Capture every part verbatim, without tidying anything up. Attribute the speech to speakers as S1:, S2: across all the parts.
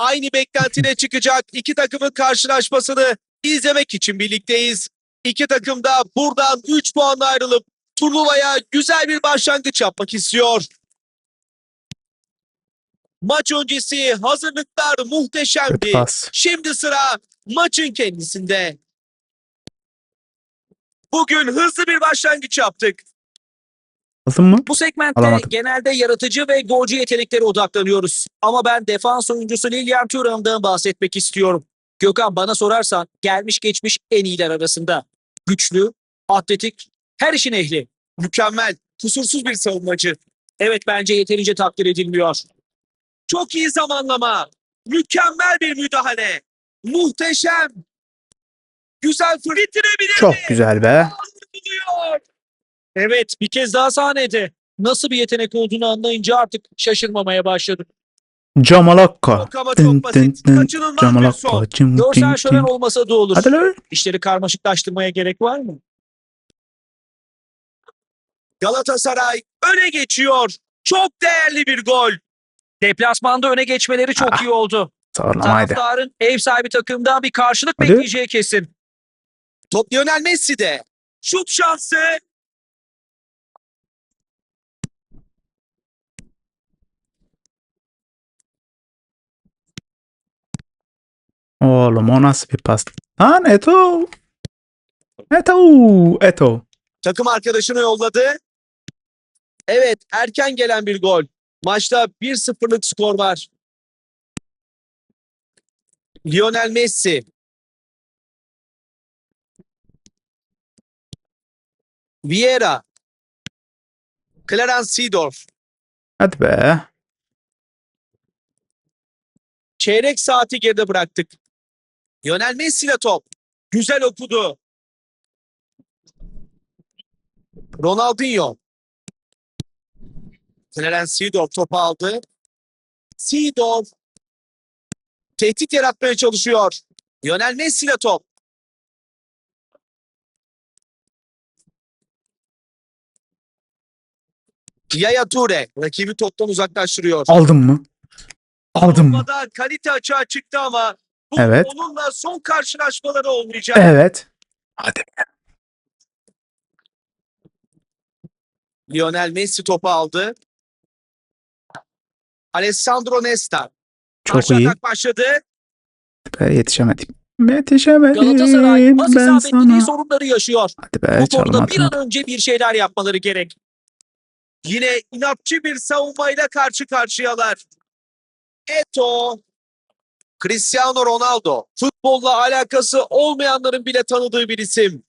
S1: aynı beklentine çıkacak iki takımın karşılaşmasını izlemek için birlikteyiz. İki takım da buradan üç puanla ayrılıp turnuvaya güzel bir başlangıç yapmak istiyor. Maç öncesi hazırlıklar
S2: Kötü
S1: muhteşemdi.
S2: pas.
S1: Şimdi sıra maçın kendisinde. Bugün hızlı bir başlangıç yaptık.
S2: Aldın mı?
S1: Bu segmentte
S2: Alamadım.
S1: genelde yaratıcı ve golcü yeteneklere odaklanıyoruz. Ama ben defans oyuncusu Lilian Thuram'dan bahsetmek istiyorum. Gökhan, bana sorarsan gelmiş geçmiş en iyiler arasında. Güçlü, atletik, her işin ehli. Mükemmel, kusursuz bir savunmacı. Evet, bence yeterince takdir edilmiyor. Çok iyi zamanlama. Mükemmel bir müdahale. Muhteşem. Güzel fır. Bitirebilir
S2: Çok
S1: mi?
S2: güzel be.
S1: Buluyor. Evet, bir kez daha sahnede. Nasıl bir yetenek olduğunu anlayınca artık şaşırmamaya başladım.
S2: Camalakka.
S1: Çok ama
S2: Dın
S1: çok
S2: dın
S1: basit.
S2: dın.
S1: Kaçınılmaz bir
S2: Camalakka.
S1: son.
S2: Cım
S1: Görsel
S2: cım
S1: şölen
S2: cım.
S1: olmasa da olur.
S2: Hadi lan.
S1: İşleri karmaşıklaştırmaya gerek var mı? Galatasaray öne geçiyor. Çok değerli bir gol. Deplasmanda öne geçmeleri çok
S2: Ah,
S1: iyi oldu.
S2: Sağlamaydı.
S1: Taraftarın ev sahibi takımdan bir karşılık
S2: Hadi.
S1: bekleyeceği kesin. Top Lionel Messi'de. Şut şansı.
S2: Oğlum o nasıl bir pas? Lan Eto. Eto. Eto.
S1: Takım arkadaşını yolladı. Evet, erken gelen bir gol. Maçta bir sıfırlık skor var. Lionel Messi. Vieira. Clarence Seedorf.
S2: Hadi be.
S1: Çeyrek saati geride bıraktık. Lionel Messi ile top. Güzel okudu. Ronaldinho. Clarence Seedorf topu aldı. Seedorf tehdit yaratmaya çalışıyor. Lionel Messi ile top. Yaya Toure rakibi toptan uzaklaştırıyor.
S2: Aldın mı? Aldın mı?
S1: Savunmada kalite açığa çıktı ama bu
S2: Evet.
S1: onunla son karşılaşmaları olmayacak.
S2: Evet. Hadi be.
S1: Lionel Messi topu aldı. Alessandro Nesta.
S2: Çok
S1: Karşı
S2: iyi.
S1: atak başladı.
S2: Be, yetişemedim. Yetişemedim
S1: Galatasaray pas
S2: ben
S1: isabetliliği
S2: sana.
S1: sorunları yaşıyor.
S2: Hadi be
S1: Bu konuda bir an
S2: çalmadım.
S1: önce bir şeyler yapmaları gerek. Yine inatçı bir savunmayla karşı karşıyalar. Eto, Cristiano Ronaldo. Futbolla alakası olmayanların bile tanıdığı bir isim.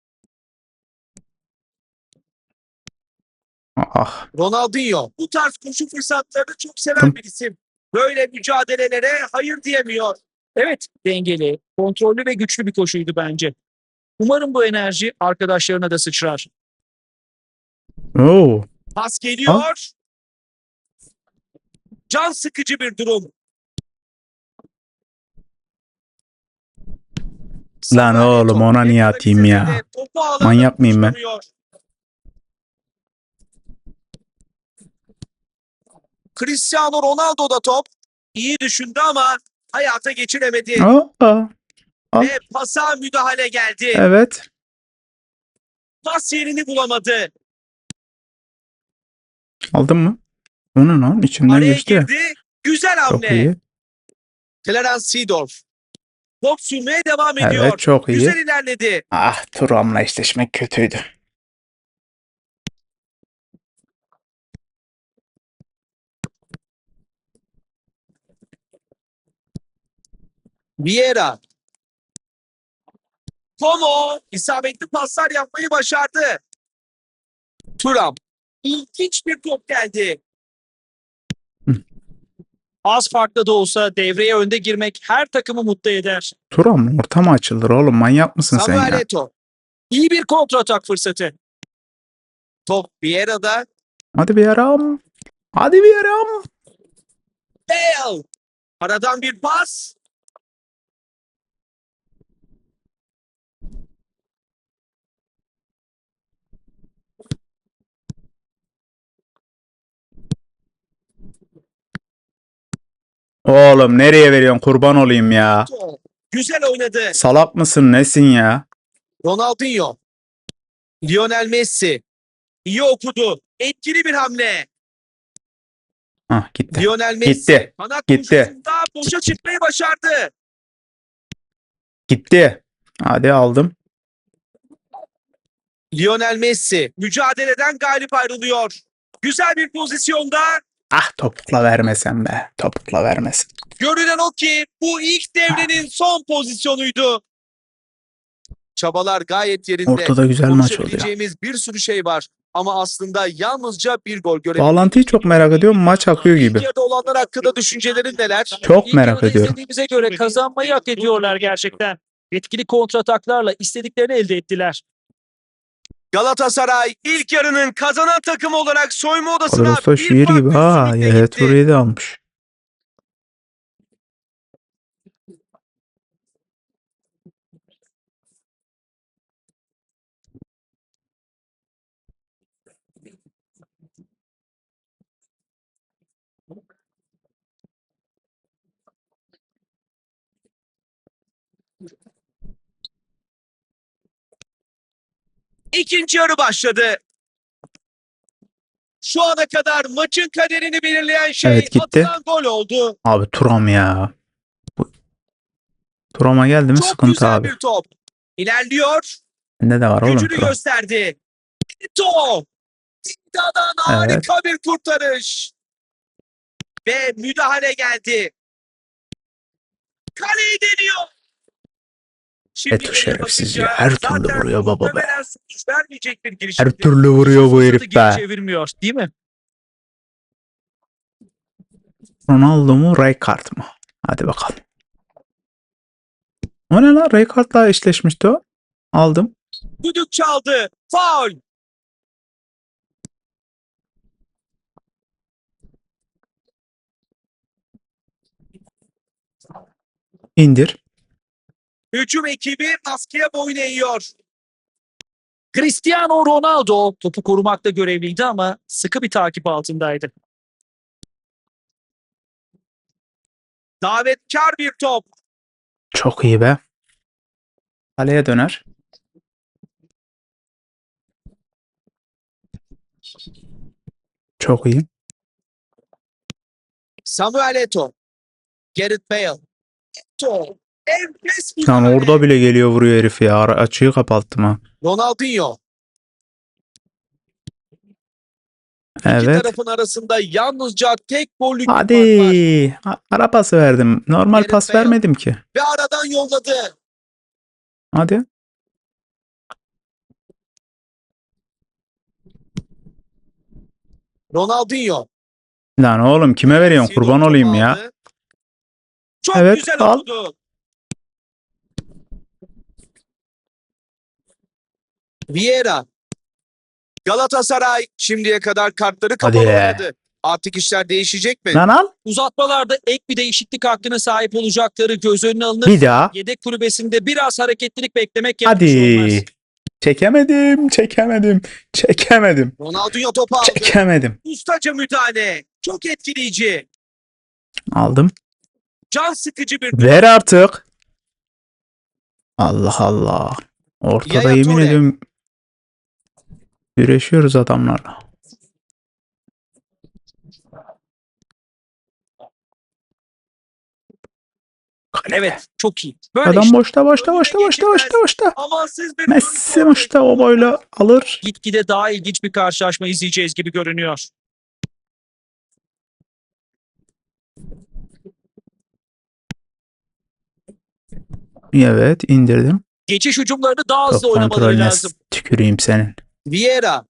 S2: Ah.
S1: Ronaldinho. Bu tarz koşu fırsatlarını çok seven
S2: Tım.
S1: bir isim. Böyle mücadelelere hayır diyemiyor. Evet, dengeli, kontrollü ve güçlü bir koşuydu bence. Umarım bu enerji arkadaşlarına da sıçrar.
S2: Oo.
S1: Pas geliyor. Can sıkıcı bir durum.
S2: Lan oğlum ona niye atayım ya?
S1: Topu alanda
S2: Manyak mıyım ben?
S1: buluşturuyor. Cristiano Ronaldo da top. İyi düşündü ama hayata geçiremedi.
S2: Aa. Aa. Al.
S1: Ve pasa müdahale geldi.
S2: Evet.
S1: Pas yerini bulamadı.
S2: Aldın mı? Onun lan içinden
S1: Araya
S2: geçti.
S1: girdi. Güzel
S2: Çok
S1: hamle.
S2: iyi.
S1: Clarence Seedorf. Top sürmeye devam ediyor.
S2: Evet çok iyi.
S1: Güzel ilerledi.
S2: Ah Thuram'la eşleşmek kötüydü.
S1: Vieira. Como isabetli paslar yapmayı başardı. Thuram. İlginç bir top geldi.
S2: Hı.
S1: Az farklı da olsa devreye önde girmek her takımı mutlu eder.
S2: Thuram orta mı açılır oğlum? Manyak mısın sen
S1: Samuel
S2: ya?
S1: Eto'o. İyi bir kontratak fırsatı. Top Vieira'da.
S2: Hadi bir yaram. Hadi bir yaram.
S1: Bale. Aradan bir pas.
S2: Oğlum nereye veriyorsun? Kurban olayım ya.
S1: Güzel oynadı.
S2: Salak mısın nesin ya?
S1: Ronaldinho. Lionel Messi. İyi okudu. Etkili bir hamle.
S2: Hah gitti.
S1: Lionel Messi.
S2: Gitti.
S1: Kanat
S2: Gitti.
S1: koşusunda boşa çıkmayı başardı.
S2: Gitti. Hadi aldım.
S1: Lionel Messi mücadeleden galip ayrılıyor. Güzel bir pozisyonda.
S2: Ah topukla vermesen be. Topukla vermesin.
S1: Görünen o ki bu ilk devrenin son pozisyonuydu. Çabalar gayet yerinde.
S2: Ortada güzel maç oluyor.
S1: Konuşabileceğimiz bir sürü şey var. Ama aslında yalnızca bir gol görebildik.
S2: Bağlantıyı çok merak ediyorum. Maç akıyor gibi.
S1: İlk yarıda olanlar hakkında düşüncelerin neler?
S2: Çok
S1: İlk
S2: merak
S1: yarıda
S2: ediyorum.
S1: izlediğimize göre kazanmayı hak ediyorlar gerçekten. Etkili kontrataklarla istediklerini elde ettiler. Galatasaray ilk yarının kazanan takımı olarak soyunma odasına
S2: Kadrosu da şiir gibi ha. Evet burayı da almış.
S1: İkinci yarı başladı. Şu ana kadar maçın kaderini belirleyen şey
S2: Evet, gitti.
S1: atılan gol oldu.
S2: Abi Turam ya. Bu- Turam'a geldi mi
S1: Çok
S2: sıkıntı
S1: güzel
S2: abi.
S1: bir top. İlerliyor.
S2: Bende de var oğlum
S1: Gücünü
S2: Turam.
S1: gösterdi. Top. Dida'dan harika bir kurtarış. Ve müdahale geldi. Kaleyi deniyor. Şimdi
S2: Eto
S1: geriye
S2: şerefsiz
S1: bakınca
S2: ya. Her türlü
S1: zaten
S2: vuruyor baba be.
S1: muhtemelen sonuç vermeyecek bir
S2: Her
S1: girişimdi.
S2: türlü vuruyor bu
S1: Fırsatı
S2: herif
S1: geri
S2: be.
S1: çevirmiyor, değil mi?
S2: Ronaldo mu Rijkaard mı? Hadi bakalım. O ne lan? Rijkaard'la eşleşmişti o. Aldım.
S1: Düdük çaldı. Faul.
S2: İndir.
S1: Hücum ekibi baskıya boyun eğiyor. Cristiano Ronaldo topu korumakta görevliydi ama sıkı bir takip altındaydı. Davetkar bir top.
S2: Çok iyi be. Kaleye döner. Çok iyi.
S1: Samuel Eto'o. Gareth Bale. Eto'o. Enfes bir
S2: Lan
S1: müdahale.
S2: orada bile geliyor vuruyor herif ya. Ara- Açığı kapattım ha.
S1: Ronaldinho. İki
S2: Evet.
S1: tarafın arasında yalnızca tek gollük bir fark var.
S2: Hadi. A- Ara pası verdim. Normal
S1: Gareth
S2: pas
S1: Bale.
S2: vermedim ki.
S1: Ve aradan yolladı.
S2: Hadi.
S1: Ronaldinho.
S2: Lan oğlum kime veriyorsun? Kurban
S1: Sidor
S2: olayım
S1: topu
S2: ya.
S1: aldı. Çok
S2: Evet,
S1: güzel
S2: al.
S1: okudu. Vieira. Galatasaray şimdiye kadar kartları kapalı
S2: Hadi.
S1: oynadı. Artık işler değişecek mi?
S2: Lan al.
S1: Uzatmalarda ek bir değişiklik hakkına sahip olacakları göz önüne alınır.
S2: Bir daha.
S1: Yedek kulübesinde biraz hareketlilik beklemek yanlış olmaz.
S2: Hadi. Çekemedim. Çekemedim. Çekemedim.
S1: Ronaldinho topu aldı.
S2: Çekemedim.
S1: Ustaca müdahale. Çok etkileyici.
S2: Aldım.
S1: Can sıkıcı bir
S2: Ver artık. Allah Allah. Ortada
S1: Yaya
S2: yemin
S1: Toure.
S2: ediyorum güreşiyoruz adamlarla.
S1: Evet, çok iyi. Böyle
S2: Adam
S1: işte.
S2: boşta boşta
S1: Önüne
S2: boşta boşta
S1: geçilmez.
S2: boşta boşta.
S1: Amansız bir
S2: Messi boşta o boyla alır.
S1: Gitgide daha ilginç bir karşılaşma izleyeceğiz gibi görünüyor.
S2: Evet indirdim.
S1: Geçiş hücumlarını daha hızlı
S2: Top
S1: oynamaları
S2: kontrolüne
S1: lazım.
S2: tüküreyim senin.
S1: Vieira.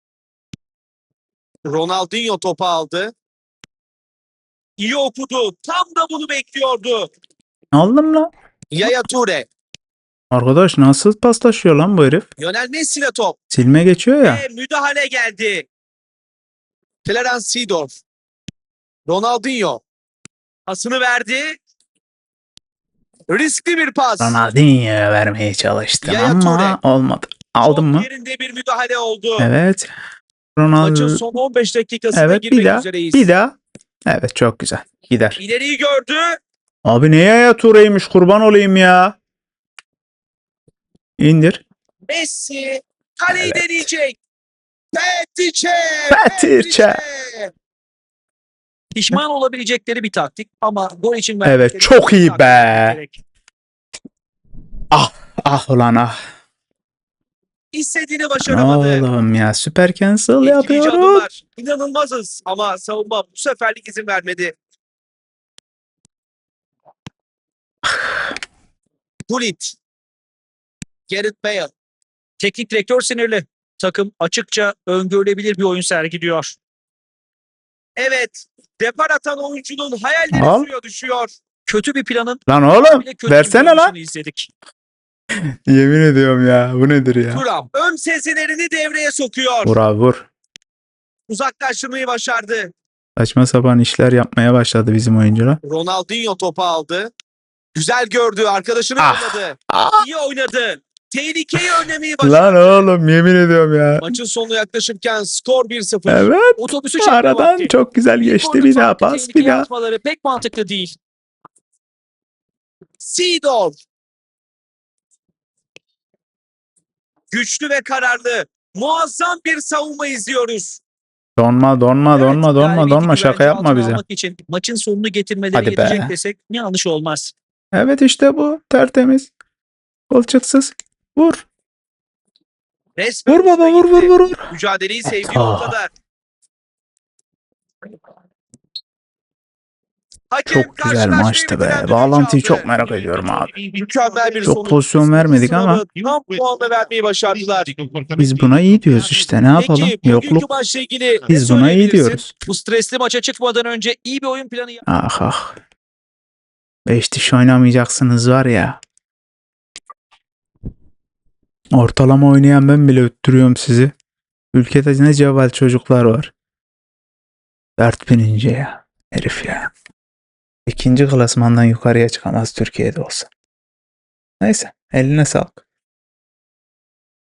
S1: Ronaldinho topu aldı. İyi okudu. Tam da bunu bekliyordu.
S2: Aldım lan.
S1: Yaya Toure.
S2: Arkadaş nasıl paslaşıyor lan bu herif?
S1: Lionel Messi ile top.
S2: Silme geçiyor ya.
S1: Ve müdahale geldi. Clarence Seedorf. Ronaldinho. Pasını verdi. Riskli bir pas.
S2: Ronaldinho'ya vermeye çalıştım
S1: Yaya
S2: ama
S1: Toure.
S2: olmadı. Aldın
S1: Çok
S2: mı?
S1: yerinde bir müdahale oldu.
S2: Evet.
S1: Maçın
S2: Ronaldo.
S1: son on beş dakikasına
S2: Evet
S1: girmek
S2: bir daha.
S1: üzereyiz.
S2: Bir daha. Evet çok güzel. Gider.
S1: İleriyi gördü.
S2: Abi neye ya Ture'ymiş kurban olayım ya. İndir.
S1: Messi kaleyi
S2: Evet.
S1: deneyecek. Petrice!
S2: Petrice!
S1: Pişman olabilecekleri bir taktik ama gol için
S2: Evet,
S1: verdikleri
S2: çok
S1: bir
S2: iyi
S1: taktik
S2: be.
S1: gerek.
S2: Ah ah ulan ah.
S1: İstediğini başaramadı.
S2: Oğlum ya süper cancel
S1: Etkileyici
S2: yapıyorum.
S1: adımlar. İnanılmazız ama savunma bu seferlik izin vermedi. Gullit. Gareth Bale. Teknik direktör sinirli. Takım açıkça öngörülebilir bir oyun sergiliyor. Evet. Depar atan oyuncunun hayalleri
S2: Al.
S1: suya düşüyor. Kötü bir planın
S2: Lan oğlum
S1: bile kötü
S2: versene
S1: bir
S2: lan.
S1: oyuncunu izledik.
S2: Yemin ediyorum ya bu nedir ya.
S1: Thuram ön sezilerini devreye sokuyor.
S2: Vur abi vur.
S1: Uzaklaştırmayı başardı.
S2: Saçma sapan işler yapmaya başladı bizim oyuncular.
S1: Ronaldinho topu aldı. Güzel gördü. Arkadaşını
S2: Ah.
S1: yolladı.
S2: Ah.
S1: İyi oynadı. Tehlikeyi önlemeyi
S2: Lan
S1: başardı.
S2: oğlum yemin ediyorum ya.
S1: Maçın sonuna yaklaşırken skor bir sıfır.
S2: Evet.
S1: Otobüsü çekme
S2: Aradan
S1: vakti.
S2: çok güzel
S1: İlk
S2: geçti.
S1: golü
S2: Bir daha
S1: farklı
S2: pas bir
S1: tehlikeye
S2: daha.
S1: atmaları pek mantıklı değil. Seedorf. Güçlü ve kararlı. Muazzam bir savunma izliyoruz.
S2: Donma donma
S1: Evet,
S2: donma donma
S1: galibiyeti
S2: donma şaka
S1: güvence
S2: yapma
S1: altına
S2: bize.
S1: almak için maçın sonunu getirmeleri
S2: Hadi be.
S1: yetecek desek yanlış olmaz.
S2: Evet işte bu tertemiz. Kolçaksız. Vur.
S1: Resmen
S2: Vur baba
S1: uçta
S2: vur vur
S1: gitti.
S2: vur vur.
S1: Mücadeleyi sevdiği
S2: Ah.
S1: ortada. Hakem
S2: Çok güzel
S1: karşılaşmayı
S2: maçtı
S1: bitiren
S2: be.
S1: düdüğü
S2: Bağlantıyı
S1: çaldı.
S2: çok merak ediyorum abi.
S1: Mükemmel bir
S2: Çok
S1: sonuç.
S2: pozisyon vermedik ama
S1: Sınavı tam puanla vermeyi başardılar.
S2: biz buna iyi diyoruz işte. Ne yapalım?
S1: Peki bugünkü
S2: Yokluk.
S1: maçla ilgili ne
S2: Biz buna iyi
S1: söyleyebilirsin?
S2: diyoruz.
S1: Bu stresli maça çıkmadan önce iyi bir oyun planı yap.
S2: Ah ah. Beş diş oynamayacaksınız var ya. Ortalama oynayan ben bile öttürüyorum sizi. Ülkede ne cevval çocuklar var. Dert binince ya. Herif ya. İkinci klasmandan yukarıya çıkamaz Türkiye'de olsa. Neyse eline sağlık.